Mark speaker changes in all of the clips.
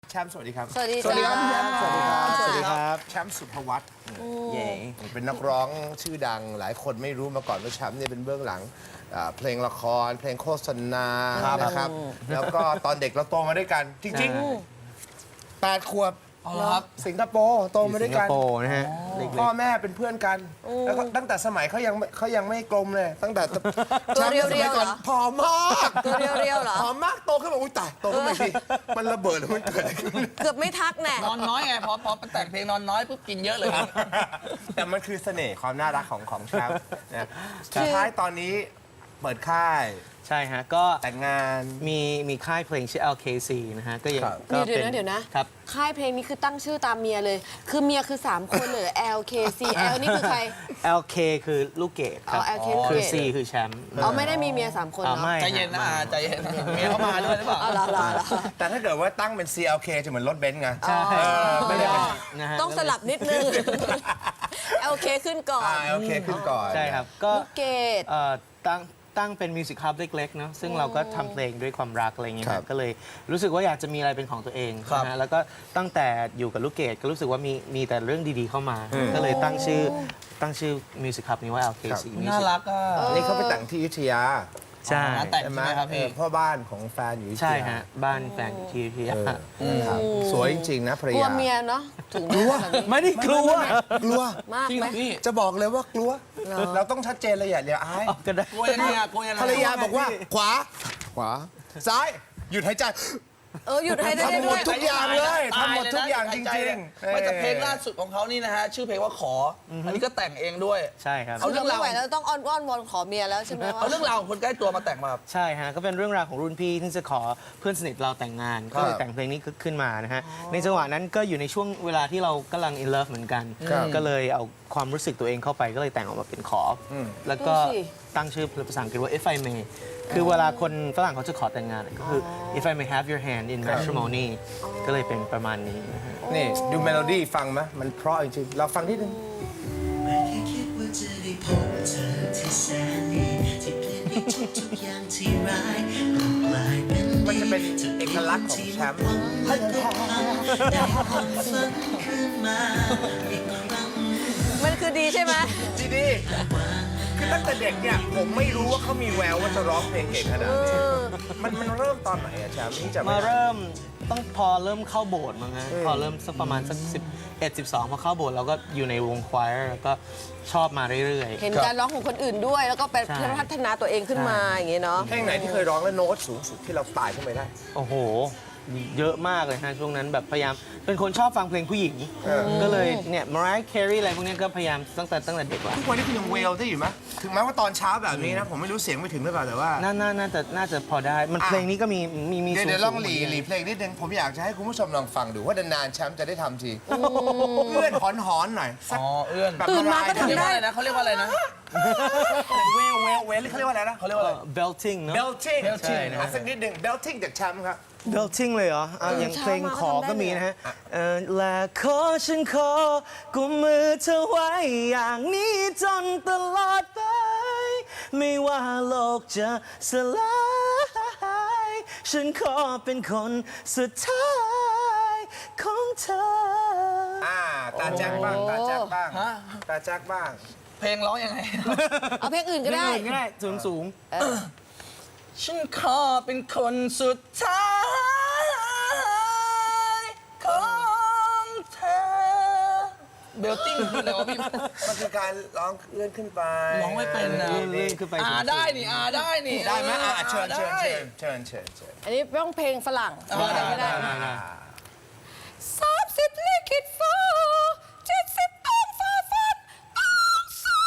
Speaker 1: แชมป์สวัสดีครับ
Speaker 2: สวัสดี
Speaker 3: สวัสดีครับพี่แชมป์
Speaker 1: สวัสดีครับ
Speaker 3: สวัสดีครับ
Speaker 1: แชมป์สุภวัฒน์
Speaker 3: เย่
Speaker 1: เป็นนักร้องชื่อดังหลายคนไม่รู้มาก่อนว่าแชมป์เนี่ยเป็นเบื้องหลังเพลงละคร เพลงโฆษณานะครับ แล้วก็ตอนเด็กเราโตมาด้วยกัน จริงๆ8 ขวบ
Speaker 3: เอาละครับ
Speaker 1: สิงคโปร์โตมาด้วยกัน
Speaker 3: สิงคโปร์นะฮะ
Speaker 1: พ่อแม่เป็นเพื่อนกัน แล้วก็ตั้งแต่สมัยเขายังไม่กลมเลย ตั้งแต่
Speaker 2: ตัวเรียว
Speaker 1: สมัก่อน
Speaker 2: ๆเหรอ
Speaker 1: ผอมมาก
Speaker 2: ตัวเรียวๆเหรอ
Speaker 1: ผอมมากโตขึ้นมาอุ้ยตายโตขึ้นมาสิมันระเบิดแล้วมันเกิดอะไรขึ้น
Speaker 2: เกือบไม่ทักแน่
Speaker 3: นอนน้อยไงพอแต่งเพลงนอนน้อยปุ๊บกินเยอะเลยครับ
Speaker 1: แต่มันคือเสน่ห์ความน่ารักของแชมป์นะสุดท้ายตอนนี้เปิดค่าย
Speaker 4: ใช่ฮะ ก็
Speaker 1: แต่งงาน
Speaker 4: มีค่ายเพลงชื่อ LKC นะฮะ ก็ยัง
Speaker 1: ครับ
Speaker 4: ก็
Speaker 2: เดี๋ยว
Speaker 4: ป็
Speaker 2: นะเดี๋ยวนะ
Speaker 4: ครับ
Speaker 2: ค่ายเพลงนี้คือตั้งชื่อตามเมียเลย คือเมียคือ 3 คนเลย LKC L นี่คือใคร
Speaker 4: LK คือลูกเกดครับ
Speaker 2: อ๋อ LK ลูกเกด
Speaker 4: คือ C คือแชมป์
Speaker 2: อ๋อไม่ได้มีเมีย 3 คน
Speaker 4: อ๋อ
Speaker 2: เนาะ
Speaker 4: ไม่
Speaker 3: ใจเย็นนะใจเย็นนะเมียเขามาด้วยหรือเปล่า
Speaker 2: อ๋อเหรอ
Speaker 1: แต่ถ้าเกิดว่าตั้งเป็น CLK จะเหมือนรถเบนซ์ไง
Speaker 4: ใช่
Speaker 1: ไม่ได้เป็น
Speaker 4: นะฮะ
Speaker 2: ต้องสลับนิดนึง LK ขึ้นก่อน
Speaker 1: LK ขึ้นก่อน
Speaker 4: ใช่ครับ ก็
Speaker 2: ลูกเกด
Speaker 4: ตั้งเป็นมิวสิคฮับเล็กๆเนาะซึ่งเราก็ทำเพลงด้วยความรักอะไรอย่างเงี้ย
Speaker 1: ครับ
Speaker 4: ก็เลยรู้สึกว่าอยากจะมีอะไรเป็นของตัวเอง
Speaker 3: ครับ
Speaker 4: นะฮะแล้วก็ตั้งแต่อยู่กับลูกเกดก็รู้สึกว่ามีแต่เรื่องดีๆเข้ามา ก็เลยตั้งชื่อมิวสิคฮับนี้ว่า LKC
Speaker 3: น่ารักอ่ะ
Speaker 1: นี่เขาไปแต่งที่อยุธยา
Speaker 4: ใช่
Speaker 3: งานแต่ง
Speaker 1: ใช่
Speaker 3: ใช่
Speaker 1: ไหม
Speaker 3: ไหมครับพี่
Speaker 1: พ่อบ้านของแฟนอยู่อยุธยา
Speaker 4: ใช่ฮะบ้านแฟนอยู่ที่พิยา
Speaker 1: นะครับสวยจริงๆนะภรร
Speaker 2: กลัวย
Speaker 1: า
Speaker 2: เมียเนาะถึงได้แบบนี้
Speaker 4: ไม่ได้กลัว
Speaker 1: กลัว
Speaker 2: มาก
Speaker 3: จริง
Speaker 2: ไห
Speaker 3: เห
Speaker 2: ม
Speaker 3: รอพี่
Speaker 1: จะบอกเลยว่ากลัว เราต้องชัดเจนเลยอย่าเดี๋ยวอาย
Speaker 4: ก็ได้
Speaker 3: กลัวยังไงอ่ะกลัวยังไง
Speaker 1: ภรรยาบอกว่าขวา ซ้าย หยุดหายใจ
Speaker 2: หยุดให้ได้
Speaker 1: ทำหม
Speaker 2: ด้ว
Speaker 1: ด
Speaker 2: ย
Speaker 1: ทุกอย่างเลย
Speaker 3: ตา
Speaker 1: ทำหมดทุกอย่างจ
Speaker 3: ใจ
Speaker 1: ริง
Speaker 3: เลย
Speaker 1: ๆ
Speaker 3: ไม่แต่เพลงล่าสุดของเขานี่นะฮะชื่อเพลงว่าขออันนี้ก็แต่งเองด้วย
Speaker 4: ใช่ครับ
Speaker 3: เอา
Speaker 2: เราไม่ไหวแล้วต้องอ้อนวอนขอเมียแล้วใช่ไหมว่า
Speaker 3: เอาเรื่องราวของคนใกล้ตัวมาแต่งมาครับ
Speaker 4: ใช่ฮะ ก็เป็นเรื่องราวของรุ่นพี่ที่จะขอเพื่อนสนิทเราแต่งงาน ก็เลยแต่งเพลงนี้ขึ้นมานะฮะ ในจังหวะนั้นก็อยู่ในช่วงเวลาที่เรากำลัง in love เหมือนกัน ก็เลยเอาความรู้สึกตัวเองเข้าไปก็เลยแต่งออกมาเป็นขออแล้วก็ตั้งชื่อภาษาอังกฤษว่า if I may คือเวลาคนฝรั่งเขาจะขอแต่งงานก็คือ if I may have your hand in matrimony ก็เลยเป็นประมาณนี้นะฮะ
Speaker 1: นี่ ดูเมโลดี้ฟังไหมมันเพราะจริงๆ เราฟังนิดนึง
Speaker 5: ไม่เคยคิดว่าจะได้พบเธอที่แสนดีที่เปลี่ยนให้ทุกอย่างที่ร้ายกลายเป็น
Speaker 1: มัน
Speaker 5: ดี
Speaker 1: จะเป็นเอกลักษณ์ของแชมป์
Speaker 5: และก็ได้ความฝันขึ้นมาอีกครั้ง
Speaker 2: มันคือดีใช่ไหม
Speaker 1: ดีๆคือตั้งแต่เด็กเนี่ย ผมไม่รู้ว่าเขามีแววว่าจะร้องเพลงเก่งขนาดนี้มันเริ่มตอนไหนอะแชมป์ที่จะ
Speaker 4: มา
Speaker 1: ไม่ได้
Speaker 4: เริ่มต้องพอเริ่มเข้าโบสถ์มั้งฮะพอเริ่มสักประมาณสัก11-12พอเข้าโบสถ์เราก็อยู่ในวงควายแล้วก็ชอบมาเรื่อย
Speaker 2: เห็นการร้องของคนอื่นด้วย แล้วก็ไป
Speaker 4: ใช่
Speaker 2: พัฒนาตัวเองขึ้นมาอย่างเงี้ยเนาะ
Speaker 1: เพลงไหนที่เคยร้องแล้วโน้ตสูงสุดที่เราตายขึ้นไปได้
Speaker 4: ๆ โอ้โห เยอะมากเลยฮะช่วงนั้นแบบพยายามเป็นคนชอบฟังเพลงผู้หญิง ก็เลยเนี่ยมารายแครีอะไรพวกเนี้ยก็พยายามตั้งแต่เด็กละ
Speaker 1: ทุกวันนี้คุณยังเวลได้อยู่ไหมถึงแม้ว่าตอนเช้าแบบนี้นะ ผมไม่รู้เสียงไปถึงหรือเปล่าแต่ว่า
Speaker 4: น่าจะพอได้ มันเพลงนี้ก็มี
Speaker 1: เดี๋ยวลองหลี
Speaker 4: สูๆ
Speaker 1: เพลงนิดนึงผมอยากจะให้คุณผู้ชมลองฟังดูว่านานๆแชมป์จะได้ทำทีเอื้อนหอนๆหน่อยสัก
Speaker 3: อ๋อเอื้อน
Speaker 1: แบบ
Speaker 2: ตื่นมาก็
Speaker 3: เขา
Speaker 2: ทำ
Speaker 3: เรียก
Speaker 2: ได้
Speaker 3: ว่าอะไรนะเขาเรียกว่าอะไรนะ
Speaker 1: เวลเขาเรียกว่าอะไรนะ
Speaker 3: เขาเรียกว่าอะไร
Speaker 4: belting เนอะ
Speaker 1: belting
Speaker 3: belting
Speaker 1: อ่ะสักนิดหนึ่ง belting จากแชมป์ครับ
Speaker 4: belting เลยเหรออย่างเพลงขอก็มีนะฮะและขอฉันขอกุมมือเธอไว้อย่างนี้จนตลอดไป ไม่ว่าโลกจะสลาย ฉันขอเป็นคนสุดท้ายของเธอ
Speaker 1: ตาแจ็คบ้างตาแจ็คบ้าง
Speaker 3: ฮะ
Speaker 1: ตาแจ็คบ้าง
Speaker 3: เพลงร้องยังไง
Speaker 2: เอาเพลงอื่นก็ได้
Speaker 4: เพลงอื่นก็ได้สูง
Speaker 3: ฉันขอเป็นคนสุดท้ายของเธอเบลติ้งคืออะไรวะพี่
Speaker 1: มันคือการร้องเอื้อนขึ้นไป
Speaker 3: ร้องไม่เป็นนะ
Speaker 4: เลื่อนขึ้นไปสูงๆ
Speaker 3: ได้นี่ได้นี่
Speaker 1: ได้ไหมเชิญ
Speaker 3: ได้
Speaker 2: อันนี้ต้องเพลงฝรั่ง
Speaker 3: ได้
Speaker 2: ไม่ได้
Speaker 3: ได้
Speaker 2: 30ลิขิตฟ้า70ต้องฟ้าฟันต้องสู้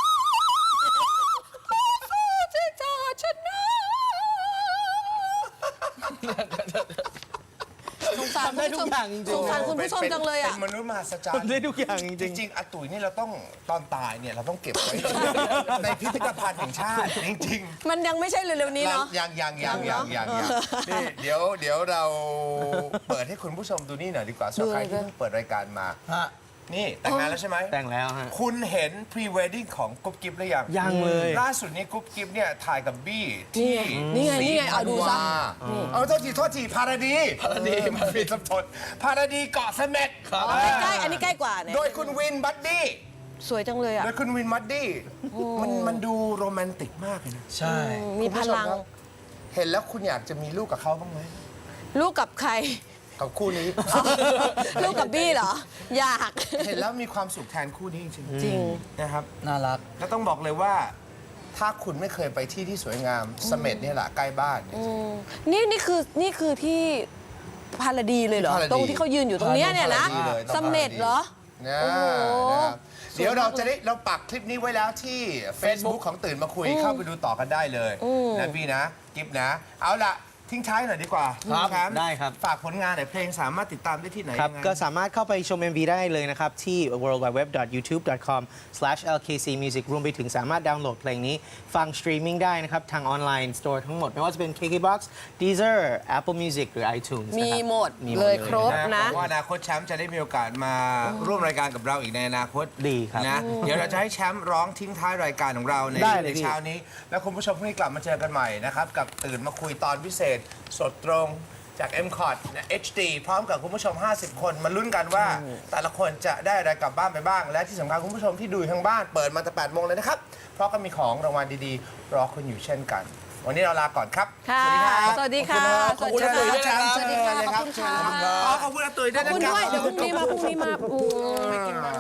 Speaker 2: สู้ที่จะชนะสงสาร
Speaker 4: ทำได้ทุกอย่างจริงๆ
Speaker 2: สงสารคุณผู้ชมจังเลยอ่ะ
Speaker 1: เป็นมนุษย์มหัศจรร
Speaker 4: ทำ
Speaker 1: ย์
Speaker 4: ได้ทุกอย่างจ
Speaker 1: จ
Speaker 4: ริง
Speaker 1: ริงๆอาตุ๋ยนี่เราต้องตอนตายเนี่ยเราต้องเก็บไว้ ในพิพิธภัณฑ์แห่งชาติจริงๆ
Speaker 2: มันยังไม่ใช่เร็วๆนี้เนาะ
Speaker 1: ยังนี่เดี๋ยวเราเปิดให้คุณผู้ชมดูนี่หน่อยดีกว่าสำหรับใครที่เพิ่งเปิดรายการมา
Speaker 3: ฮะ
Speaker 1: นี่แต่งงานแล้วใช่ไหม
Speaker 4: แต่งแล้วฮะ
Speaker 1: คุณเห็นพรีเวดดิ้งของกุ๊บกิ๊บหรือยัง
Speaker 4: ยังเลย
Speaker 1: ล่าสุดนี้กุ๊บกิ๊บเนี่ยถ่ายกับบี้ที่
Speaker 2: นี่ไงเอาดูซะ
Speaker 1: เอาโทษทีพาราดีมาผิดสับสนพาราดีเกาะเสม็ด
Speaker 2: ใกล้อันนี้ใกล้กว่าเนี่ย
Speaker 1: โดยคุณวินบัดดี้
Speaker 2: สวยจังเลยอ่ะ
Speaker 1: โดยคุณวินบัดดี้มันดูโรแมนติกมากเลยนะ
Speaker 3: ใช่
Speaker 2: มีพลัง
Speaker 1: คุณผู้ชมครับเห็นแล้วคุณอยากจะมีลูกกับเขาบ้างไหม
Speaker 2: ลูกกับใคร
Speaker 1: กับคู่นี้
Speaker 2: ลูกกับบี้เหรอ อยาก
Speaker 1: เห็นแล้วมีความสุขแทนคู่นี้จริง
Speaker 2: จริง
Speaker 1: ๆนะครับ
Speaker 3: น่ารัก
Speaker 1: แล้วต้องบอกเลยว่า ถ้าคุณไม่เคยไปที่ที่สวยงามเสม็ดเนี่ยแหละใกล้บ้านเนี่ย
Speaker 2: นี่คือที่พาราดีเลยเหรอ
Speaker 1: พาราดี
Speaker 2: ตรงที่เขายืนอยู่ตรงเนี้ยเนี่ยนะ
Speaker 1: พาราดีเลยต้อง
Speaker 2: เสม็ดเหรอ
Speaker 1: นะ
Speaker 2: โอ้โห
Speaker 1: นะครับเดี๋ยวเราปักคลิปนี้ไว้แล้วที่ Facebook ของตื่นมาคุยเข้าไปดูต่อกันได้เลยนะพี่นะกิฟนะ เอาล่ะ ทิ้งท้ายหน่อยดีกว่า
Speaker 4: ครับ
Speaker 1: ณ
Speaker 4: ได้ครับ
Speaker 1: ฝากผลงานหน่อยเพลงสามารถติดตามได้ที่ไหน
Speaker 4: ครับ
Speaker 1: ยังไง
Speaker 4: ก็สามารถเข้าไปชม MV ได้เลยนะครับ ที่ worldwideweb.youtube.com/lkcmusic รวมไปถึงสามารถดาวน์โหลดเพลงนี้ฟังสตรีมมิ่งได้นะครับ ทางออนไลน์สโตร์ทั้งหมด ไม่ว่าจะเป็น KKBOX Deezer Apple Music หรือ iTunes
Speaker 2: มี
Speaker 4: นะครับ
Speaker 2: หมด
Speaker 4: มี
Speaker 2: เลยครบ
Speaker 1: นะ
Speaker 2: นะ
Speaker 1: ว่าอนาคตแชมป์จะได้มีโอกาสมาร่วมรายการกับเราอีกในอนาคต
Speaker 4: ดีครับ
Speaker 1: นะเดี๋ยวเราจะให้แชมป์ร้องทิ้งท้ายรายการของเราใน
Speaker 4: ได้เลยพี่
Speaker 1: เช้านี้ แล้วคุณผู้ชมพรุ่งนี้กลับมาเจอกันใหม่นะครับกับตื่นมาคุยตอนพิเศษสดตรงจาก MCOT นะ HD พร้อมกับคุณผู้ชม 50 คนมาลุ้นกันว่า แต่ละคนจะได้อะไรกลับบ้านไปบ้าง และที่สำคัญคุณผู้ชมที่ดูอยู่ทางบ้านเปิดมาแต่ 8 โมงเลยนะครับ เพราะก็มีของรางวัลดีๆ รอคุณอยู่เช่นกัน วันนี้เราลาก่อนครับ
Speaker 2: ค่ะ
Speaker 1: สวัสดีครับ
Speaker 2: สวัสดีค่ะ
Speaker 1: ขอบคุณอาตุ๋ยด้วยนะครับ
Speaker 2: สวัสดีค่ะขอบคุณค่ะ
Speaker 1: อ๋อขอบคุณอาตุ๋ยด้วย
Speaker 2: ขอบ
Speaker 1: นะ
Speaker 2: คุณ
Speaker 1: ครับ
Speaker 2: ด้วย เดี๋ยวพรุ่งนี้มาไม่กินบ้าง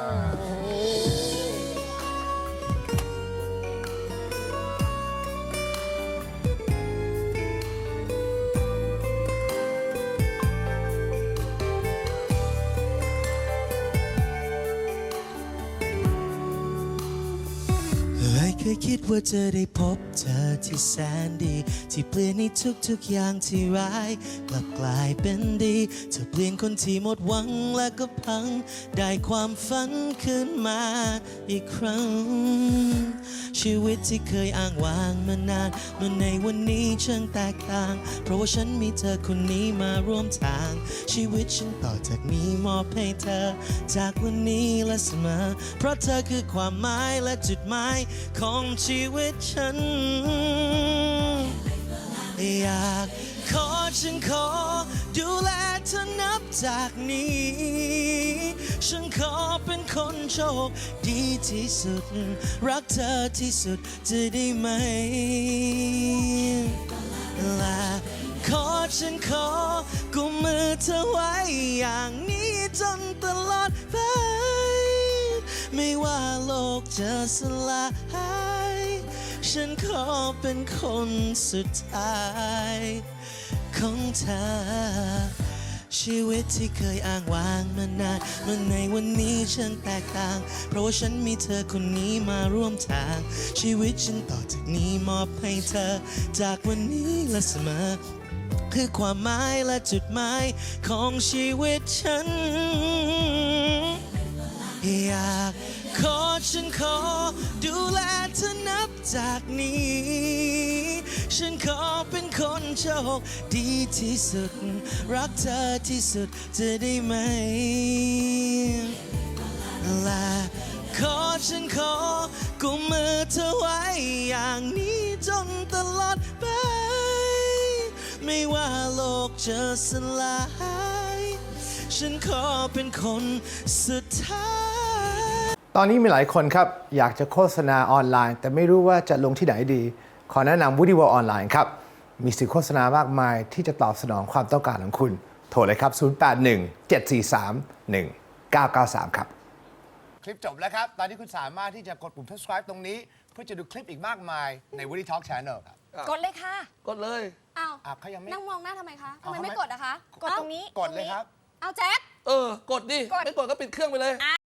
Speaker 5: ไม่เคยคิดว่าจะได้พบเธอที่แสนดี ที่เปลี่ยนในทุกๆอย่างที่ร้ายกลับกลายเป็นดีเธอเปลี่ยนคนที่หมดหวังและก็พัง ได้ความฝันขึ้นมาอีกครั้ง ชีวิตที่เคยอ้างว้างมานานเมื่อในวันนี้ช่างแตกต่าง เพราะว่าฉันมีเธอคนนี้มาร่วมทาง ชีวิตฉันต่อจากนี้มอบให้เธอ จากวันนี้และเสมอ เพราะเธอคือความหมายและจุดหมายของชีวิตฉัน อยากฉันขอดูแลเธอนับจากนี้ ฉันขอเป็นคนโชคดีที่สุด รักเธอที่สุดจะได้ไหม และฉันขอกุมมือเธอไว้อย่างนี้จนตลอดไป ไม่ว่าโลกจะสลาย ฉันขอเป็นคนสุดท้ายของเธอ ชีวิตที่เคยอ้างว้างมานานเมื่อในวันนี้ฉันแตกต่าง เพราะว่าฉันมีเธอคนนี้มาร่วมทาง ชีวิตฉันต่อจากนี้มอบให้เธอ จากวันนี้และเสมอ คือความหมายและจุดหมายของชีวิตฉัน อยากฉันขอดูแลเธอนับจากนี้ ฉันขอเป็นคนโชคดีที่สุด รักเธอที่สุดจะได้ไหม และฉันขอกุมมือเธอไว้อย่างนี้จนตลอดไป ไม่ว่าโลกจะสลาย ฉันขอเป็นคนสุดท้าย
Speaker 1: ตอนนี้มีหลายคนครับอยากจะโฆษณาออนไลน์ แต่ไม่รู้ว่าจะลงที่ไหนดี ขอแนะนำ Woody World ออนไลน์ครับ มีสื่อโฆษณามากมายที่จะตอบสนองความต้องการของคุณ โทรเลยครับ 081-743-1993 ครับ คลิปจบแล้วครับ ตอนนี้คุณสามารถที่จะกดปุ่ม subscribe ตรงนี้ เพื่อจะดูคลิปอีกมากมายใน Woody Talk Channel ครับ
Speaker 2: กดเลยค่ะ
Speaker 3: กดเลย
Speaker 2: อ้าว
Speaker 1: เขายังไม่
Speaker 2: นั่งมองหน้าทำไมคะทำ
Speaker 1: เอา
Speaker 2: ไม
Speaker 1: ทำไม
Speaker 2: ไม่กดอะคะ กดตรงนี้
Speaker 1: กดเลยครับ
Speaker 2: เอาแจ็ค
Speaker 3: กดดิ
Speaker 2: กด
Speaker 3: ไม่กดก็ปิดเครื่องไปเลย